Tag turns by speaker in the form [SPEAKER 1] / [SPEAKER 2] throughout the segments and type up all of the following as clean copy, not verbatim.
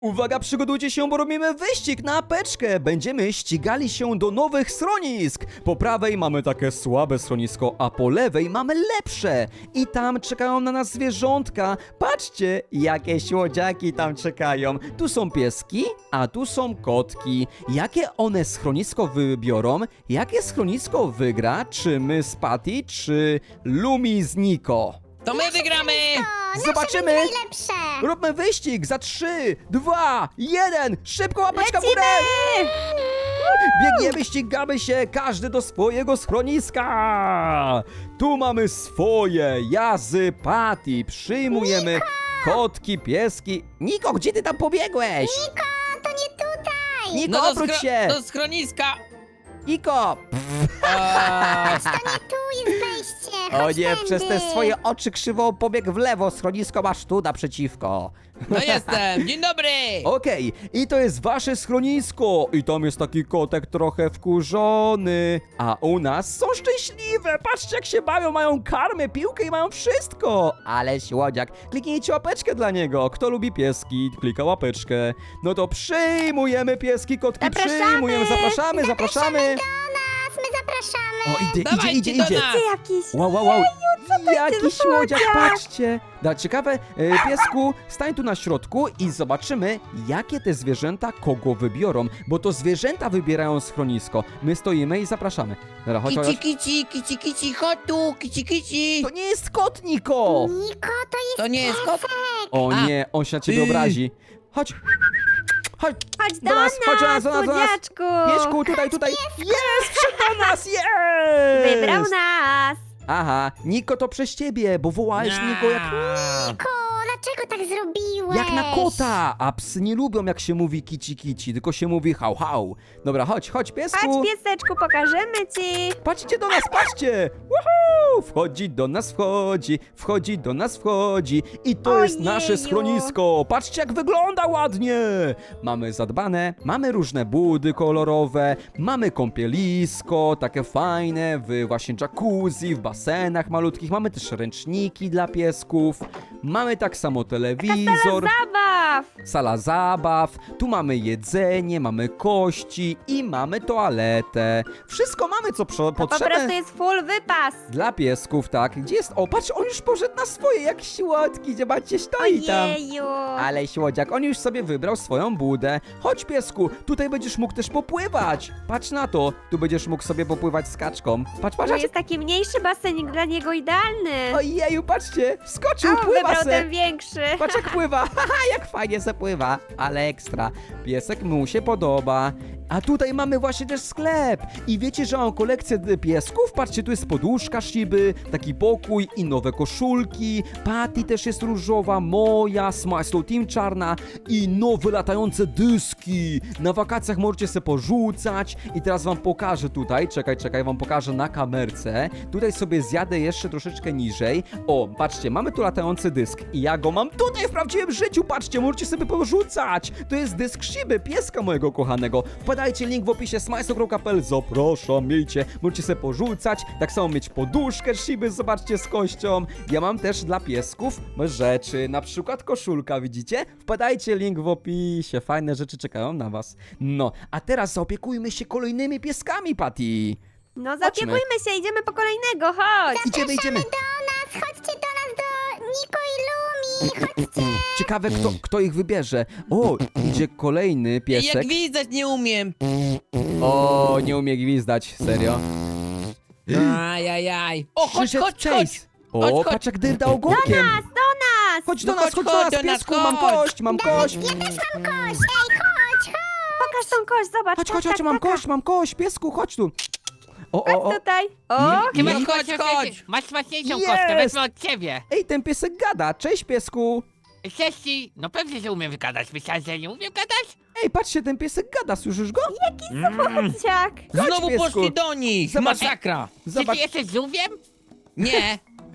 [SPEAKER 1] Uwaga, przygotujcie się, bo robimy wyścig na apeczkę. Będziemy ścigali się do nowych schronisk. Po prawej mamy takie słabe schronisko, a po lewej mamy lepsze. I tam czekają na nas zwierzątka. Patrzcie, jakie słodziaki tam czekają. Tu są pieski, a tu są kotki. Jakie one schronisko wybiorą? Jakie schronisko wygra? Czy my z Patty, czy Lumi z Niko?
[SPEAKER 2] To my wygramy!
[SPEAKER 1] Zobaczymy!
[SPEAKER 3] Najlepsze!
[SPEAKER 1] Róbmy wyścig za 3, 2, 1! Szybko łapeczka w górę! Biegniemy, ścigamy się, każdy do swojego schroniska! Tu mamy swoje, ja z Patty, przyjmujemy kotki, pieski. Niko, gdzie ty tam pobiegłeś?
[SPEAKER 3] Niko, to nie tutaj!
[SPEAKER 1] Niko, obróć się!
[SPEAKER 2] Do schroniska!
[SPEAKER 1] Niko!
[SPEAKER 3] To nie tu jest wejście!
[SPEAKER 1] O
[SPEAKER 3] Chodź
[SPEAKER 1] nie,
[SPEAKER 3] tędy.
[SPEAKER 1] przez te swoje oczy krzywo pobiegł w lewo, schronisko masz tu naprzeciwko.
[SPEAKER 2] No jestem! Dzień dobry!
[SPEAKER 1] Okej, i to jest wasze schronisko. I tam jest taki kotek trochę wkurzony. A u nas są szczęśliwe. Patrzcie, jak się bawią, mają karmę, piłkę i mają wszystko. Ale słodziak, kliknijcie łapeczkę dla niego. Kto lubi pieski, klika łapeczkę. No to przyjmujemy pieski, kotki,
[SPEAKER 3] Zapraszamy.
[SPEAKER 1] przyjmujemy. Zapraszamy.
[SPEAKER 3] Do nas, my zapraszamy!
[SPEAKER 1] O,
[SPEAKER 2] Dawajcie
[SPEAKER 1] idzie.
[SPEAKER 2] do nas!
[SPEAKER 3] Jakiś...
[SPEAKER 1] Wow, wow, wow. Jaki słodziak,
[SPEAKER 3] słodziak.
[SPEAKER 1] patrzcie. Da, ciekawe, piesku, stań tu na środku i zobaczymy, jakie te zwierzęta kogo wybiorą, bo to zwierzęta wybierają schronisko. My stoimy i zapraszamy. Dobra, chodź, chodź.
[SPEAKER 2] Kici, chodź tu, kici.
[SPEAKER 1] To nie jest kot, Niko!
[SPEAKER 3] Niko, to jest
[SPEAKER 2] To nie jest kot?
[SPEAKER 1] O
[SPEAKER 2] A.
[SPEAKER 1] nie, on się na ciebie obrazi. Chodź. Chodź.
[SPEAKER 4] Chodź do nas,
[SPEAKER 1] chodź do nas, do nas.
[SPEAKER 4] słodziaczku!
[SPEAKER 1] Piesku, tutaj. Jest, wszedł do nas, jest!
[SPEAKER 4] Wybrał nas!
[SPEAKER 1] Aha, Niko to przez ciebie, bo wołałeś Niko
[SPEAKER 3] Niko, dlaczego tak zrobiłeś?
[SPEAKER 1] jak na kota, a psy nie lubią jak się mówi kici, tylko się mówi hał hał. Dobra, chodź piesku.
[SPEAKER 4] Chodź, pieseczku, pokażemy ci!
[SPEAKER 1] Patrzcie do nas, patrzcie! Woohoo! Wchodzi do nas, wchodzi. I to jest nasze
[SPEAKER 4] Ojeju.
[SPEAKER 1] schronisko. Patrzcie, jak wygląda ładnie. Mamy zadbane, mamy różne budy kolorowe, mamy kąpielisko, takie fajne, w właśnie jacuzzi, w basenach malutkich. Mamy też ręczniki dla piesków. Mamy tak samo telewizor.
[SPEAKER 4] Zabaw!
[SPEAKER 1] Sala zabaw, tu mamy jedzenie, mamy kości i mamy toaletę. Wszystko mamy, co
[SPEAKER 4] Po
[SPEAKER 1] potrzebne
[SPEAKER 4] prostu jest full wypas!
[SPEAKER 1] dla piesków, tak. Gdzie jest? O, patrz, on już poszedł na swoje, jak słodki, zobaczcie, stoi tam.
[SPEAKER 4] Ojeju!
[SPEAKER 1] Ale słodziak, on już sobie wybrał swoją budę. Chodź, piesku, tutaj będziesz mógł też popływać. Patrz na to, tu będziesz mógł sobie popływać z kaczką. Patrz,
[SPEAKER 4] To jest taki mniejszy basenik, dla niego idealny!
[SPEAKER 1] Ojeju, patrzcie, wskoczył,
[SPEAKER 4] O,
[SPEAKER 1] pływa
[SPEAKER 4] wybrał
[SPEAKER 1] se.
[SPEAKER 4] ten większy!
[SPEAKER 1] Patrz jak pływa, haha, jak fajnie se pływa, ale ekstra. Piesek mu się podoba. A tutaj mamy właśnie też sklep. I wiecie, że mam kolekcję piesków? Patrzcie, tu jest poduszka Shiby, taki pokój i nowe koszulki. Patty też jest różowa, moja, Smile Slow Team czarna i nowe latające dyski. Na wakacjach możecie se porzucać. I teraz wam pokażę tutaj, czekaj, wam pokażę na kamerce. Tutaj sobie zjadę jeszcze troszeczkę niżej. O, patrzcie, mamy tu latający dysk i ja go mam tutaj w prawdziwym życiu, patrzcie, możecie sobie porzucać. To jest dysk Shiby, pieska mojego kochanego. Wpadajcie, link w opisie smajso.pl, zapraszam, miejcie, możecie sobie porzucać, tak samo mieć poduszkę Shiby, zobaczcie, z kością. Ja mam też dla piesków rzeczy, na przykład koszulka, widzicie? Wpadajcie, link w opisie, fajne rzeczy czekają na was. No, a teraz zaopiekujmy się kolejnymi pieskami, Patty.
[SPEAKER 4] No zaopiekujmy się, idziemy po kolejnego, chodź!
[SPEAKER 1] Idziemy.
[SPEAKER 3] Do nas, chodźcie do nas, do Niko i Lumi, chodźcie!
[SPEAKER 1] Ciekawe, kto ich wybierze. O, idzie kolejny
[SPEAKER 2] Jak
[SPEAKER 1] piesek.
[SPEAKER 2] gwizdać nie umiem!
[SPEAKER 1] O, nie umie gwizdać, serio.
[SPEAKER 2] Ajajaj! O, chodź!
[SPEAKER 1] Przyszedł Chase. O,
[SPEAKER 2] Chodź.
[SPEAKER 1] patrz jak dyrda ogonkiem.
[SPEAKER 4] Do nas!
[SPEAKER 1] Chodź do
[SPEAKER 2] No
[SPEAKER 1] nas,
[SPEAKER 2] chodź
[SPEAKER 1] chodź do nas,
[SPEAKER 2] do nas,
[SPEAKER 1] piesku, mam
[SPEAKER 2] chodź.
[SPEAKER 1] kość, mam kość.
[SPEAKER 3] Ja też mam kość! Ej, chodź!
[SPEAKER 4] Pokaż tą kość, zobacz!
[SPEAKER 1] Chodź,
[SPEAKER 4] tak,
[SPEAKER 1] mam kość, piesku, chodź tu. O.
[SPEAKER 4] Chodź tutaj! O!
[SPEAKER 1] Nie,
[SPEAKER 2] Chodź!
[SPEAKER 5] Masz smaczniejszą
[SPEAKER 1] Jest!
[SPEAKER 5] kostkę, wezmę od ciebie.
[SPEAKER 1] Ej, ten piesek gada, cześć piesku.
[SPEAKER 5] Cześć, no pewnie, że umiem wygadać. Myślałeś, że nie umiem gadać?
[SPEAKER 1] Ej, patrzcie, ten piesek gada, słyszysz go?
[SPEAKER 4] Chodźciak!
[SPEAKER 1] Chodź,
[SPEAKER 2] Znowu
[SPEAKER 1] piesku.
[SPEAKER 2] poszli do nich!
[SPEAKER 1] Zobacz.
[SPEAKER 2] Masakra!
[SPEAKER 5] Czy
[SPEAKER 1] Zobacz,
[SPEAKER 5] ty jesteś żółwiem?
[SPEAKER 2] Nie!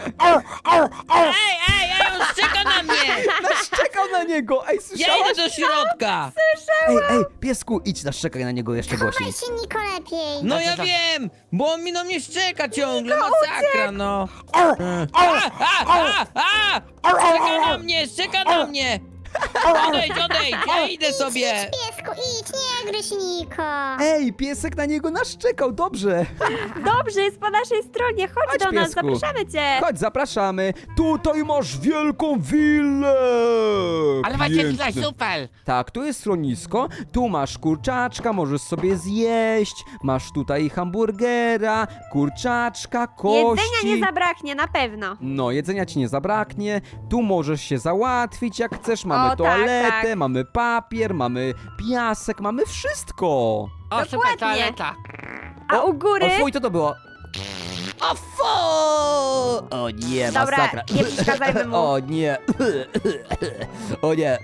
[SPEAKER 2] Ej, on szczeka na mnie!
[SPEAKER 1] naszczekał na niego, ej,
[SPEAKER 2] Ja
[SPEAKER 1] słyszałaś?
[SPEAKER 2] idę do środka!
[SPEAKER 1] Ej, piesku, idź, naszczekaj na niego jeszcze głośniej.
[SPEAKER 3] Chowaj się, Niko, lepiej!
[SPEAKER 2] No ja wiem! Bo on mi na mnie szczeka ciągle, masakra no! Szczeka na mnie! Odejdź, ja idę sobie.
[SPEAKER 3] Piesku, idź, nie gryź Niko.
[SPEAKER 1] Ej, piesek na niego naszczekał, dobrze.
[SPEAKER 4] Dobrze, jest po naszej stronie. Chodź,
[SPEAKER 1] Chodź,
[SPEAKER 4] do nas,
[SPEAKER 1] piesku.
[SPEAKER 4] zapraszamy cię.
[SPEAKER 1] Chodź, zapraszamy. Tutaj masz wielką willę.
[SPEAKER 5] Ale macie
[SPEAKER 1] Piękne.
[SPEAKER 5] tutaj super.
[SPEAKER 1] Tak, tu jest schronisko, tu masz kurczaczka, możesz sobie zjeść, masz tutaj hamburgera, kurczaczka, kości.
[SPEAKER 4] Jedzenia nie zabraknie, na pewno.
[SPEAKER 1] No, jedzenia ci nie zabraknie, tu możesz się załatwić jak chcesz, mamy
[SPEAKER 4] O, tak,
[SPEAKER 1] toaletę,
[SPEAKER 4] tak.
[SPEAKER 1] mamy papier, mamy piasek, mamy wszystko.
[SPEAKER 5] O, super
[SPEAKER 4] Dokładnie.
[SPEAKER 5] toaleta.
[SPEAKER 4] A u góry...
[SPEAKER 1] O fuj, co to było? O fu! O nie,
[SPEAKER 4] Dobra,
[SPEAKER 1] masakra.
[SPEAKER 4] nie przeszkadzajmy mu.
[SPEAKER 1] O nie. O nie.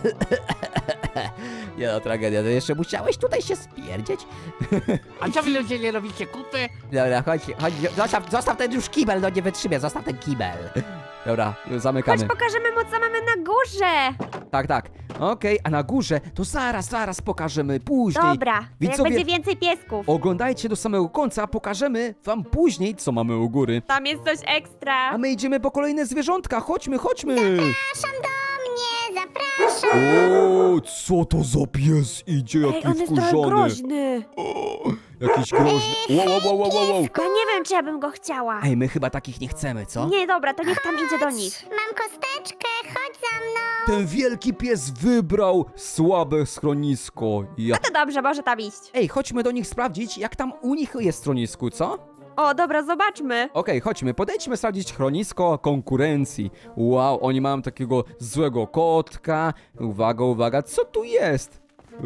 [SPEAKER 1] Nie no, tragedia, to jeszcze musiałeś tutaj się spierdzieć?
[SPEAKER 5] A co wy ludzie nie robicie kupy?
[SPEAKER 1] Dobra, chodź, zostaw ten już kibel, no nie wytrzymie, zostaw ten kibel. Dobra,
[SPEAKER 4] Chodź,
[SPEAKER 1] zamykamy.
[SPEAKER 4] pokażemy mu, co mamy na górze.
[SPEAKER 1] Tak. Okej, a na górze to zaraz pokażemy później.
[SPEAKER 4] Dobra, to jak
[SPEAKER 1] Widzowie,
[SPEAKER 4] będzie więcej piesków.
[SPEAKER 1] oglądajcie do samego końca, pokażemy wam później, co mamy u góry.
[SPEAKER 4] Tam jest coś ekstra.
[SPEAKER 1] A my idziemy po kolejne zwierzątka, chodźmy.
[SPEAKER 3] Zapraszam do mnie, zapraszam.
[SPEAKER 1] O, co to za pies idzie,
[SPEAKER 4] Ej,
[SPEAKER 1] jaki
[SPEAKER 4] on jest trochę
[SPEAKER 1] wkurzony.
[SPEAKER 4] groźny.
[SPEAKER 1] Jakiś groźny. Wow.
[SPEAKER 4] Ja nie wiem, czy ja bym go chciała.
[SPEAKER 1] Ej, my chyba takich nie chcemy, co?
[SPEAKER 4] Nie, dobra, to niech tam idzie do nich.
[SPEAKER 3] Mam kosteczkę, chodź za mną.
[SPEAKER 1] Ten wielki pies wybrał słabe schronisko. Ja.
[SPEAKER 4] No to dobrze, może tam iść.
[SPEAKER 1] Ej, chodźmy do nich sprawdzić, jak tam u nich jest schronisku, co?
[SPEAKER 4] O, dobra, zobaczmy.
[SPEAKER 1] Okej, chodźmy, podejdźmy sprawdzić schronisko konkurencji. Wow, oni mają takiego złego kotka. Uwaga, co tu jest?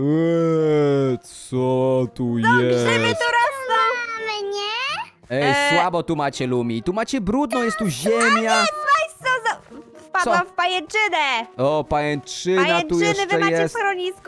[SPEAKER 1] Co tu jest?
[SPEAKER 4] Grzyby tu rosną.
[SPEAKER 3] Mamy, nie?
[SPEAKER 1] Ej, słabo tu macie, Lumi. Tu macie brudno, jest tu ziemia.
[SPEAKER 4] Weź co za... Wpadłam
[SPEAKER 1] Co?
[SPEAKER 4] w pajęczynę.
[SPEAKER 1] O, pajęczyna tu
[SPEAKER 4] Pajęczyny wy
[SPEAKER 1] jeszcze
[SPEAKER 4] macie w
[SPEAKER 1] jest.
[SPEAKER 4] schronisku.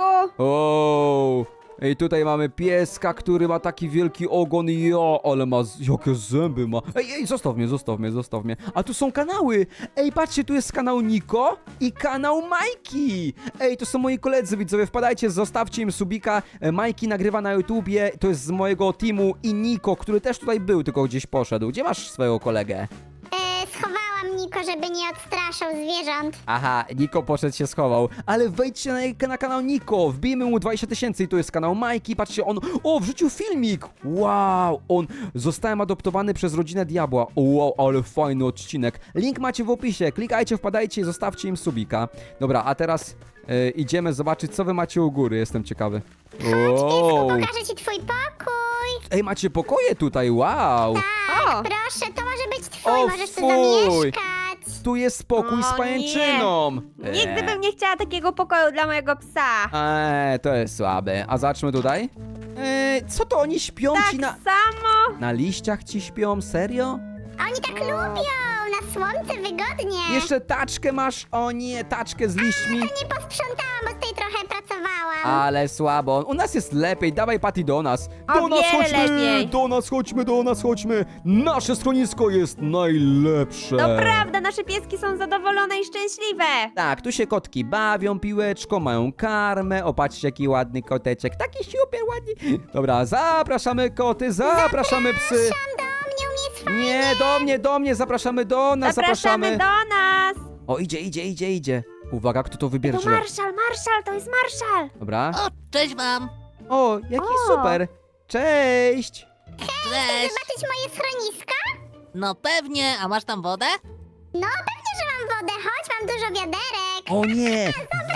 [SPEAKER 1] O, ej, tutaj mamy pieska, który ma taki wielki ogon. Ale ma, jakie zęby ma. Ej, zostaw mnie. A tu są kanały. Ej, patrzcie, tu jest kanał Niko i kanał Majki. Ej, to są moi koledzy, widzowie, wpadajcie, zostawcie im subika. Majki nagrywa na YouTubie, to jest z mojego teamu i Niko, który też tutaj był, tylko gdzieś poszedł. Gdzie masz swojego kolegę?
[SPEAKER 3] Schowałam Niko, żeby nie odstraszał zwierząt.
[SPEAKER 1] Aha, Niko poszedł się schował. Ale wejdźcie na kanał Niko, wbijmy mu 20 000 i tu jest kanał Majki. Patrzcie, on, wrzucił filmik. Wow, on, zostałem adoptowany przez rodzinę Diabła. O, wow, ale fajny odcinek. Link macie w opisie, klikajcie, wpadajcie i zostawcie im subika. Dobra, a teraz idziemy zobaczyć, co wy macie u góry, jestem ciekawy. Wow.
[SPEAKER 3] Pokażę ci twój pokój.
[SPEAKER 1] Ej, macie pokoje tutaj, wow.
[SPEAKER 4] O,
[SPEAKER 3] Proszę, to może być twój,
[SPEAKER 1] O,
[SPEAKER 3] możesz tu
[SPEAKER 1] fuj.
[SPEAKER 3] zamieszkać.
[SPEAKER 1] Tu jest spokój z
[SPEAKER 4] O,
[SPEAKER 1] pajęczyną.
[SPEAKER 4] nigdy bym nie chciała takiego pokoju dla mojego psa.
[SPEAKER 1] To jest słabe. A zacznijmy tutaj. Co to oni śpią
[SPEAKER 4] Tak
[SPEAKER 1] ci na...
[SPEAKER 4] samo.
[SPEAKER 1] Na liściach ci śpią? Serio?
[SPEAKER 3] A oni tak lubią, na słońce wygodnie.
[SPEAKER 1] Jeszcze taczkę masz? O nie, taczkę z liśćmi.
[SPEAKER 3] Nie posprzątałam, bo tutaj trochę pracowałam.
[SPEAKER 1] Ale słabo. U nas jest lepiej. Dawaj, Patty, do nas.
[SPEAKER 4] O
[SPEAKER 1] Do nas
[SPEAKER 4] wiele
[SPEAKER 1] chodźmy!
[SPEAKER 4] lepiej.
[SPEAKER 1] Do nas chodźmy! Nasze schronisko jest najlepsze.
[SPEAKER 4] To prawda, nasze pieski są zadowolone i szczęśliwe.
[SPEAKER 1] Tak, tu się kotki bawią piłeczką, mają karmę. O, patrzcie, jaki ładny koteczek. Taki super ładny. Dobra, zapraszamy koty, zapraszamy psy.
[SPEAKER 3] Tam do mnie, u mnie jest fajnie.
[SPEAKER 1] Nie, do mnie, zapraszamy do nas,
[SPEAKER 4] Zapraszamy do nas.
[SPEAKER 1] O, idzie. Uwaga, kto to wybierze?
[SPEAKER 4] To Marszal, to jest Marszal.
[SPEAKER 1] Dobra.
[SPEAKER 5] O, cześć wam.
[SPEAKER 1] O, jaki
[SPEAKER 4] O.
[SPEAKER 1] super. Cześć.
[SPEAKER 5] Cześć.
[SPEAKER 3] Zobaczyć moje schroniska?
[SPEAKER 5] No pewnie, a masz tam wodę?
[SPEAKER 3] No, pewnie, że mam wodę. Chodź, mam dużo wiaderek.
[SPEAKER 1] O nie,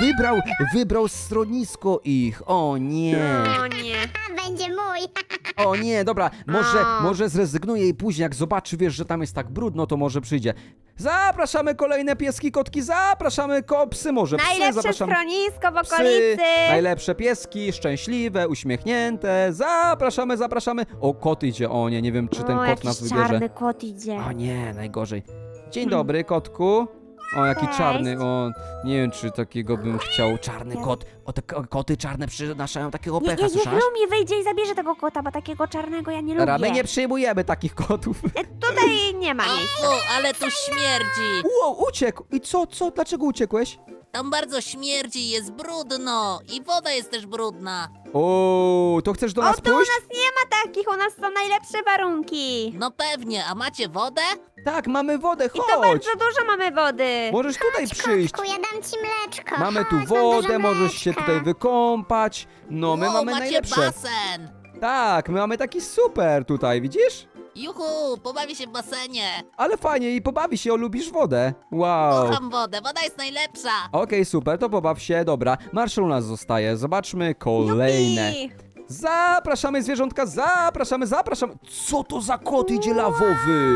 [SPEAKER 1] wybrał schronisko ich. O nie.
[SPEAKER 4] O nie.
[SPEAKER 3] A, będzie mój.
[SPEAKER 1] O nie, dobra, może zrezygnuje i później jak zobaczy, wiesz, że tam jest tak brudno, to może przyjdzie. Zapraszamy kolejne pieski, kotki, zapraszamy psy, może psy,
[SPEAKER 4] Najlepsze
[SPEAKER 1] zapraszamy.
[SPEAKER 4] schronisko w
[SPEAKER 1] Psy,
[SPEAKER 4] okolicy.
[SPEAKER 1] najlepsze pieski, szczęśliwe, uśmiechnięte. Zapraszamy. O, kot idzie. O nie wiem, czy ten
[SPEAKER 4] O,
[SPEAKER 1] kot
[SPEAKER 4] jakiś
[SPEAKER 1] nas wybierze.
[SPEAKER 4] czarny kot idzie.
[SPEAKER 1] O nie, najgorzej. Dzień dobry, kotku. O, jaki
[SPEAKER 4] Cześć.
[SPEAKER 1] czarny. O, nie wiem, czy takiego bym chciał. Czarny kot. O, te koty czarne przynoszają takiego pecha,
[SPEAKER 4] Niech
[SPEAKER 1] słyszasz?
[SPEAKER 4] Lumi wyjdzie i zabierze tego kota, bo takiego czarnego ja nie lubię.
[SPEAKER 1] Dobra, my nie przyjmujemy takich kotów.
[SPEAKER 4] Tutaj nie ma nic.
[SPEAKER 5] O, ale tu śmierdzi.
[SPEAKER 1] Wow, uciekł. I co? Dlaczego uciekłeś?
[SPEAKER 5] Tam bardzo śmierdzi, jest brudno. I woda jest też brudna.
[SPEAKER 1] O, to chcesz do
[SPEAKER 4] O,
[SPEAKER 1] nas
[SPEAKER 4] tu u
[SPEAKER 1] pójść?
[SPEAKER 4] nas nie ma takich, u nas są najlepsze warunki.
[SPEAKER 5] No pewnie, a macie wodę?
[SPEAKER 1] Tak, mamy wodę,
[SPEAKER 4] I to
[SPEAKER 1] chodź!
[SPEAKER 4] bardzo dużo mamy wody.
[SPEAKER 1] Możesz tutaj przyjść.
[SPEAKER 3] Kotku, ja dam ci mleczko.
[SPEAKER 1] Mamy tu
[SPEAKER 3] Chodź, mam
[SPEAKER 1] wodę,
[SPEAKER 3] dużo
[SPEAKER 1] możesz się
[SPEAKER 3] mleczka.
[SPEAKER 1] tutaj wykąpać. No, my
[SPEAKER 5] Wow,
[SPEAKER 1] mamy
[SPEAKER 5] macie
[SPEAKER 1] najlepsze.
[SPEAKER 5] basen.
[SPEAKER 1] Tak, my mamy taki super tutaj, widzisz?
[SPEAKER 5] Juhu, pobawię się w basenie.
[SPEAKER 1] Ale fajnie i pobawi się, lubisz wodę. Wow.
[SPEAKER 5] Kocham wodę, woda jest najlepsza.
[SPEAKER 1] Okej, super, to pobaw się, dobra. Marszal u nas zostaje, zobaczmy kolejne.
[SPEAKER 4] Jupi.
[SPEAKER 1] Zapraszamy zwierzątka, zapraszamy. Co to za kot idzie lawowy?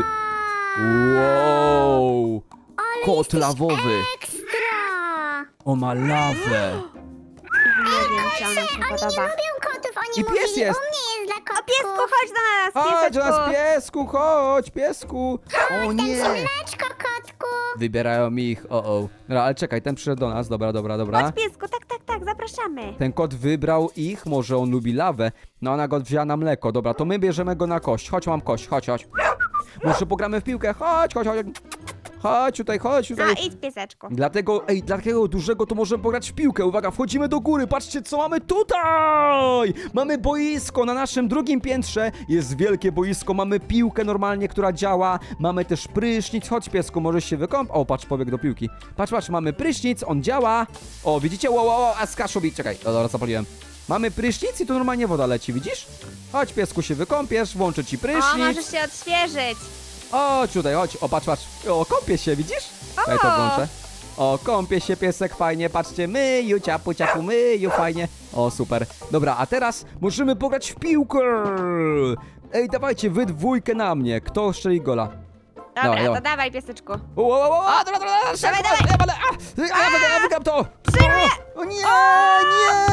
[SPEAKER 1] Wow. Kot lawowy.
[SPEAKER 3] Ekstra.
[SPEAKER 1] O, ma lawę.
[SPEAKER 4] Nie wiem, czy ona się
[SPEAKER 3] Oni nie
[SPEAKER 4] podoba.
[SPEAKER 3] lubią kotów, oni
[SPEAKER 1] I pies
[SPEAKER 3] mówili,
[SPEAKER 1] jest.
[SPEAKER 3] u mnie jest dla kotków.
[SPEAKER 4] Piesku, chodź do nas,
[SPEAKER 1] Chodź do nas,
[SPEAKER 4] pieseczku.
[SPEAKER 1] piesku, chodź, piesku. O
[SPEAKER 3] Dam ci
[SPEAKER 1] nie.
[SPEAKER 3] mleczko, kotku.
[SPEAKER 1] Wybierają ich, o. Dobra, ale czekaj, ten przyszedł do nas, dobra.
[SPEAKER 4] Chodź, piesku, tak, zapraszamy.
[SPEAKER 1] Ten kot wybrał ich, może on lubi lawę. No ona go wzięła na mleko, dobra, to my bierzemy go na kość. Chodź, mam kość, chodź. Może pogramy w piłkę, chodź. Chodź tutaj.
[SPEAKER 4] No idź, pieseczku.
[SPEAKER 1] Dla takiego dużego to możemy pograć w piłkę. Uwaga, wchodzimy do góry, patrzcie co mamy tutaj! Mamy boisko na naszym drugim piętrze. Jest wielkie boisko, mamy piłkę normalnie, która działa. Mamy też prysznic, chodź piesku, możesz się wykąpać. O, patrz, pobiegł do piłki. Patrz, mamy prysznic, on działa. O, widzicie? Wow, a skaszowi, czekaj, dobra, zapaliłem. Mamy prysznic i tu normalnie woda leci, widzisz? Chodź piesku, się wykąpiesz, włączę ci
[SPEAKER 4] O,
[SPEAKER 1] prysznic.
[SPEAKER 4] możesz się odświeżyć.
[SPEAKER 1] Chodź tutaj, chodź. O, patrz. O, kąpie się, widzisz? Ja to włączę. O, kąpie się piesek, fajnie, patrzcie, myju, ciapu, myju, fajnie. O, super. Dobra, a teraz możemy pograć w piłkę. Ej, dawajcie, wy dwójkę na mnie. Kto strzeli gola?
[SPEAKER 4] Dobra,
[SPEAKER 1] Dawaj.
[SPEAKER 4] to dawaj, pieseczku.
[SPEAKER 1] Dobra, szybko, ja wygram to.
[SPEAKER 4] Przyjmuję.
[SPEAKER 1] O nie, nie.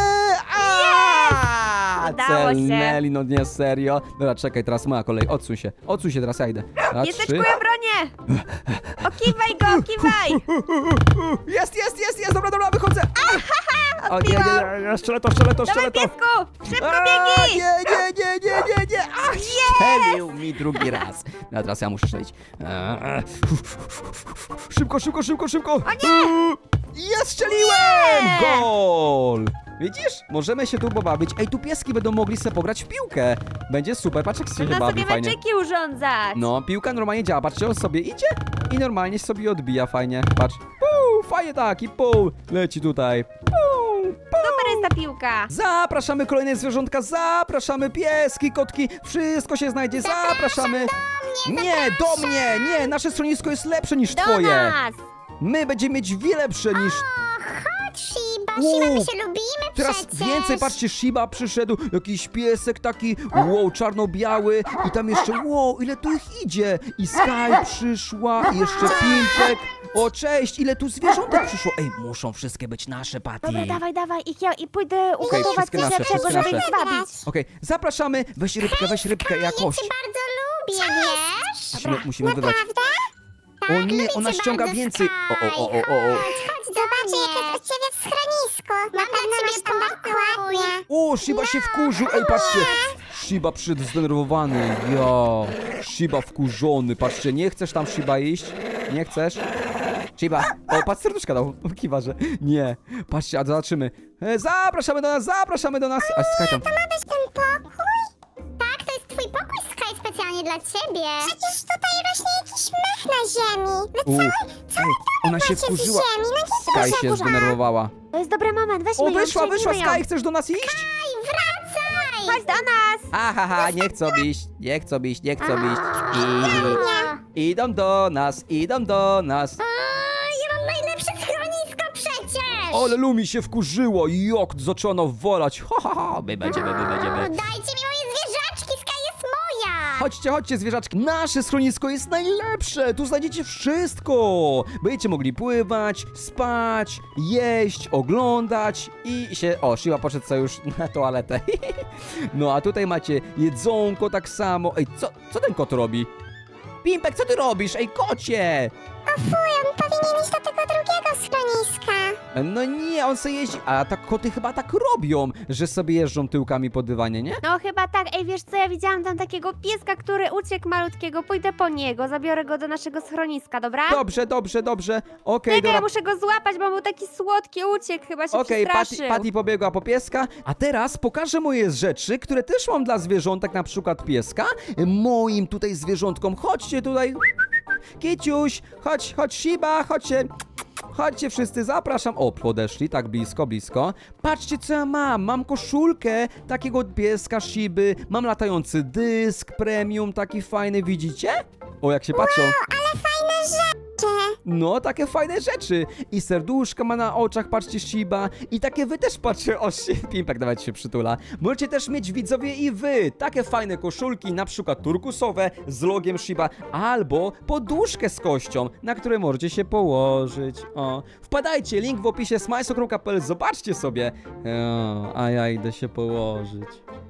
[SPEAKER 4] Udało się.
[SPEAKER 1] Celnęli, no nie, serio. Dobra, czekaj, teraz moja kolej, odsuń się, teraz ja idę. Raz,
[SPEAKER 4] Pieseczku,
[SPEAKER 1] 3.
[SPEAKER 4] ja bronię. Okiwaj go, kiwaj.
[SPEAKER 1] Jest, dobra, wychodzę. O, nie, strzelę to.
[SPEAKER 4] Dawaj, piesku, szybko biegnij.
[SPEAKER 1] Nie. Ach, strzelił mi drugi raz. No, teraz ja muszę strzelić. Szybko. O nie! Ja strzeliłem! Gol! Widzisz? Możemy się tu pobawić. Ej, tu pieski będą mogli sobie pograć w piłkę. Będzie super, patrz jak się
[SPEAKER 4] Można
[SPEAKER 1] bawi
[SPEAKER 4] sobie
[SPEAKER 1] fajnie.
[SPEAKER 4] meczyki urządzać.
[SPEAKER 1] No, piłka normalnie działa. Patrzcie, on sobie idzie i normalnie sobie odbija fajnie. Patrz. Puu, fajnie tak i puu. Leci tutaj. Puu.
[SPEAKER 4] Super jest ta piłka.
[SPEAKER 1] Zapraszamy kolejne zwierzątka, zapraszamy pieski, kotki, wszystko się znajdzie, zapraszamy. Nie, do mnie, nie, nasze schronisko jest lepsze niż
[SPEAKER 4] Do
[SPEAKER 1] twoje.
[SPEAKER 4] nas.
[SPEAKER 1] My będziemy mieć wiele lepsze niż...
[SPEAKER 3] Chodź, Shiba,
[SPEAKER 1] Uuu,
[SPEAKER 3] my się lubimy
[SPEAKER 1] Teraz
[SPEAKER 3] przecież.
[SPEAKER 1] więcej, patrzcie, Shiba przyszedł, jakiś piesek taki, wow, czarno-biały i tam jeszcze, wow, ile tu ich idzie. I Sky przyszła, i jeszcze Pimpek. O, cześć, ile tu zwierzątek przyszło. Ej, muszą wszystkie być nasze, Patty.
[SPEAKER 4] Dobra, dawaj, i pójdę ugotować
[SPEAKER 1] wszystkie
[SPEAKER 4] coś
[SPEAKER 1] nasze,
[SPEAKER 4] lepszego,
[SPEAKER 1] wszystkie
[SPEAKER 4] żeby
[SPEAKER 1] nasze.
[SPEAKER 4] ich zwabić.
[SPEAKER 1] Okej, zapraszamy, weź rybkę,
[SPEAKER 3] Ja
[SPEAKER 1] jakoś.
[SPEAKER 3] cię bardzo lubię, wiesz?
[SPEAKER 1] Musimy wybrać. O nie, ona ściąga więcej. O.
[SPEAKER 3] Chodź, zobacz, jak jest u ciebie w schronisku. Na pewno masz tam bardzo ładnie.
[SPEAKER 1] O, Shiba się wkurzył. Ej, patrzcie. Shiba przyszedł zdenerwowany. Shiba wkurzony. Patrzcie, nie chcesz tam, Shiba, iść? Nie chcesz? Shiba. O, patrz, serduszka dał. Kiwa, że nie. Patrzcie, a zobaczymy. Zapraszamy do nas. A Sky tam.
[SPEAKER 3] To ma być ten pokój? Tak, to jest twój pokój, Sky, specjalnie dla ciebie. Przecież tutaj rośnie jakiś mech na ziemi.
[SPEAKER 1] Ej, ona się wkurzyła. Sky się zdenerwowała.
[SPEAKER 4] To jest dobry moment, weźmy
[SPEAKER 1] O,
[SPEAKER 4] ją,
[SPEAKER 1] wyszła,
[SPEAKER 4] przyjmijmy ją.
[SPEAKER 1] Sky, chcesz do nas iść?
[SPEAKER 3] Wracaj!
[SPEAKER 4] Chodź do nas.
[SPEAKER 1] Ahaha, nie chcą iść. Idą do nas.
[SPEAKER 3] Ja mam najlepsze schronisko przecież!
[SPEAKER 1] Ale Lumi się wkurzyło, jak zaczęła walać. My będziemy.
[SPEAKER 3] Dajcie mi moje zwierzaczki, Sky jest moja!
[SPEAKER 1] Chodźcie zwierzaczki. Nasze schronisko jest najlepsze. Tu znajdziecie wszystko. Będziecie mogli pływać, spać, jeść, oglądać i się... O, Shiba poszedł sobie już na toaletę. No a tutaj macie jedzonko tak samo. Ej, co ten kot robi? Pimpek, co ty robisz? Ej, kocie!
[SPEAKER 3] On powinien iść do tego drugiego schroniska.
[SPEAKER 1] No nie, on sobie jeździ. A tak koty chyba tak robią, że sobie jeżdżą tyłkami po dywanie, nie?
[SPEAKER 4] No chyba tak. Ej, wiesz co, ja widziałam tam takiego pieska, który uciekł malutkiego. Pójdę po niego, zabiorę go do naszego schroniska, dobra?
[SPEAKER 1] Dobrze. Okej,
[SPEAKER 4] Czekaj,
[SPEAKER 1] dobra.
[SPEAKER 4] ja muszę go złapać, bo był taki słodki, uciekł, chyba się
[SPEAKER 1] Okej,
[SPEAKER 4] przestraszył.
[SPEAKER 1] Patty pobiegła po pieska, a teraz pokażę moje rzeczy, które też mam dla zwierzątek, na przykład pieska. Moim tutaj zwierzątkom, chodźcie tutaj. Kiciuś, chodź Shiba, chodźcie. Chodźcie wszyscy, zapraszam. O, podeszli, tak blisko, blisko. Patrzcie, co ja mam. Mam koszulkę takiego pieska Shiby. Mam latający dysk premium, taki fajny, widzicie? O, jak się patrzą.
[SPEAKER 3] Ale fajne rzeczy.
[SPEAKER 1] No, takie fajne rzeczy. I serduszka ma na oczach, patrzcie, Shiba. I takie wy też patrzcie, o, Pimpek nawet się przytula. Możecie też mieć, widzowie, i wy takie fajne koszulki, na przykład turkusowe z logiem Shiba, albo poduszkę z kością, na której możecie się położyć. O, wpadajcie, link w opisie smajso.pl, zobaczcie sobie. O, a ja idę się położyć.